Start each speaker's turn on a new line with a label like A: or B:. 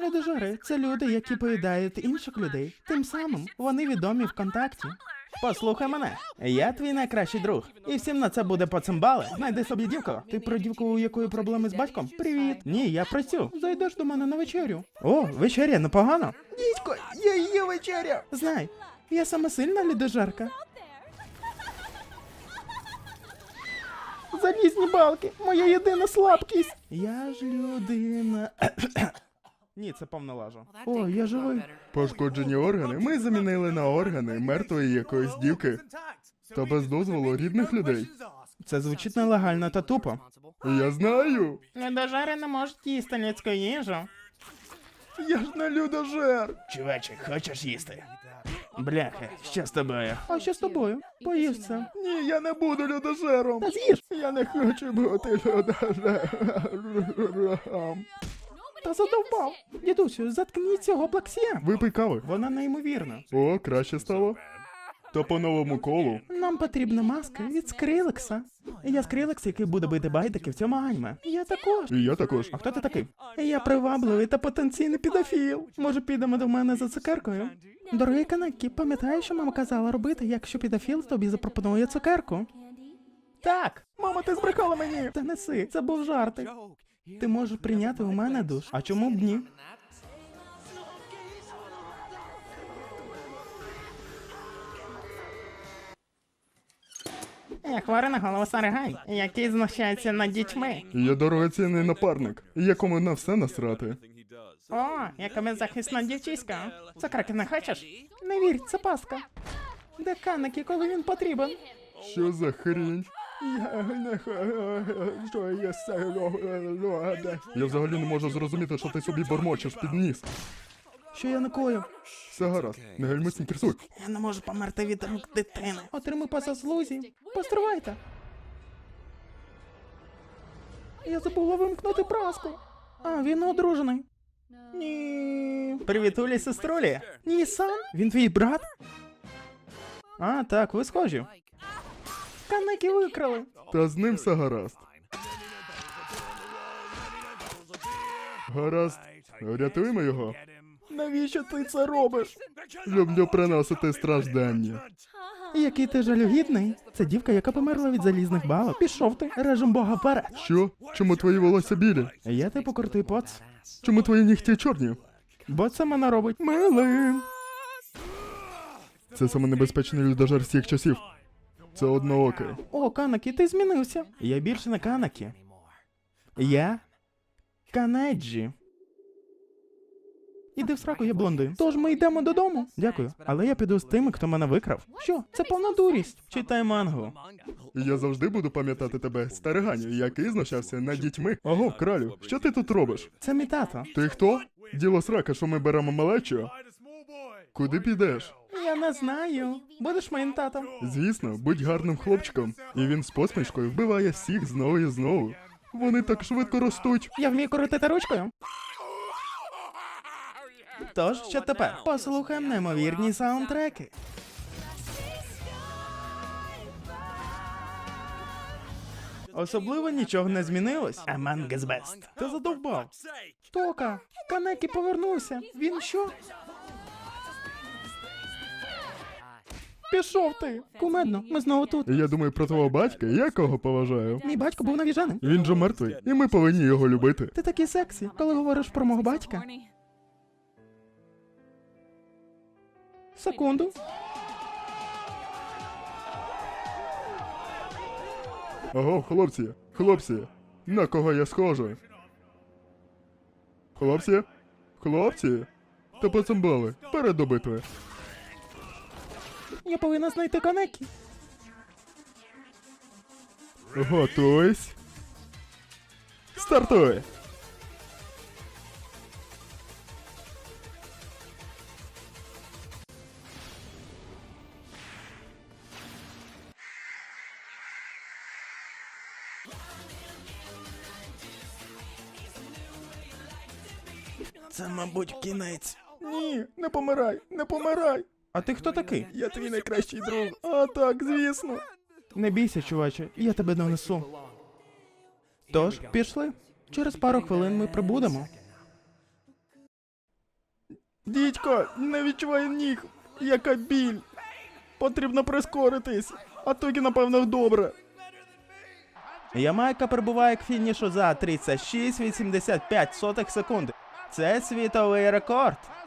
A: Людожери – це люди, які поїдають інших людей. Тим самим вони відомі ВКонтакті. Послухай мене, я твій найкращий друг. І всім на це буде поцимбали. Знайди собі дівку. Ти про дівку, у якої проблеми з батьком? Привіт. Ні, я про цю. Зайдеш до мене на вечерю. О, вечеря, непогано. Дідько, я її вечеря. Знай, я сама сильна людожерка. Залізні балки, моя єдина слабкість. Я ж людина. Ні, це повна лажа. О, я живий.
B: Пошкоджені органи ми замінили на органи мертвої якоїсь дівки. Та без дозволу рідних людей.
A: Це звучить нелегально та тупо.
B: Я знаю.
A: Людожери не можуть їсти людську їжу.
B: Я ж не людожер.
A: Чуваче, хочеш їсти? Бляха, що з тобою? А що з тобою? Поїж це.
B: Ні, я не буду людожером.
A: Та з'їж.
B: Я не хочу бути людожером.
A: Та задовбав. Дідусю, заткніть цього плаксія.
B: Випий кави.
A: Вона неймовірна.
B: О, краще стало. То по новому колу.
A: Нам потрібна маска від Скрилекса. Я Скрилекс, який буде бити байдики в цьому аніме. Я також.
B: І я також.
A: А хто ти такий? Я привабливий та потенційний педофіл. Може, підемо до мене за цукеркою? Дорогий Канекі, пам'ятаєш, що мама казала робити, якщо педофіл тобі запропонує цукерку? Так! Мама, ти збрехала мені! Та неси, це був жартик. Ти можеш прийняти у мене душ. А чому б ні? Я хворий на голову Саригай, який знущається над дітьми.
B: Я дорогоцінний напарник, якому на все насрати.
A: О, яка беззахисна дівчиська. Цукерки не хочеш? Не вірь, це пастка. Де Канекі, коли він потрібен?
B: Що за хрінь? Я взагалі не можу зрозуміти, що ти собі бормочеш під ніс.
A: Що я накоїв?
B: Все гаразд, не гальмусь, не кресуй.
A: Я не можу померти від рук дитини. Отримай по заслузі. Постривайте. Я забула вимкнути праску. А, він одружений. Ні. Привітулі, сеструлі. Ні-сан? Він твій брат? А, так, ви схожі. Канекі викрали.
B: Та з ним все гаразд. Гаразд, рятуємо його.
A: Навіщо ти це робиш?
B: Люблю приносити страждання.
A: Який ти жалюгідний. Це дівка, яка померла від залізних балок. Пішов ти, режем бога вперед.
B: Що? Чому твої волосся білі?
A: Я типу крутий поц.
B: Чому твої нігті чорні?
A: Бо це мене робить милим.
B: Це саме небезпечний людожер всіх часів. Це одноокий.
A: О, Канекі, ти змінився. Я більше не Канекі. Я Канеджі. Іди в сраку, я блондин. Тож ми йдемо додому. Дякую. Але я піду з тими, хто мене викрав. Що? Це повна дурість. Читай мангу.
B: Я завжди буду пам'ятати тебе, стариганю, який знущався над дітьми. Ого, кралю, що ти тут робиш?
A: Це мій тато.
B: Ти хто? Діло срака, що ми беремо малечу? Куди підеш?
A: Я не знаю. Будеш моїм татом?
B: Звісно, будь гарним хлопчиком. І він з посмішкою вбиває всіх знову і знову. Вони так швидко ростуть.
A: Я вмію крутити ручкою. Тож, що тепер? Послухаємо неймовірні саундтреки. Особливо нічого не змінилось. Among Us Best. Ти задовбав. Тока, Канекі повернувся. Він що? Пішов ти. Кумедно, ми знову тут.
B: Я думаю про твого батька, я кого поважаю.
A: Мій батько був навіженим.
B: Він же мертвий, і ми повинні його любити.
A: Ти такий сексі, коли говориш про мого батька. Секунду.
B: Ого, хлопці, на кого я схожий? Хлопці, та поцимбали, перед до битви.
A: Я повинна знайти Канекі.
B: Готуйсь. Стартуй!
A: Це, мабуть, кінець.
B: Ні, не помирай, не помирай!
A: А ти хто такий?
B: Я твій найкращий друг. А так, звісно.
A: Не бійся, чуваче, я тебе донесу. Тож, пішли. Через пару хвилин ми прибудемо. Дідько, не відчуваю ніг. Яка біль. Потрібно прискоритись. А тоді, напевно, добре. Ямайка прибуває к фінішу за 36,85 секунди. Це світовий рекорд.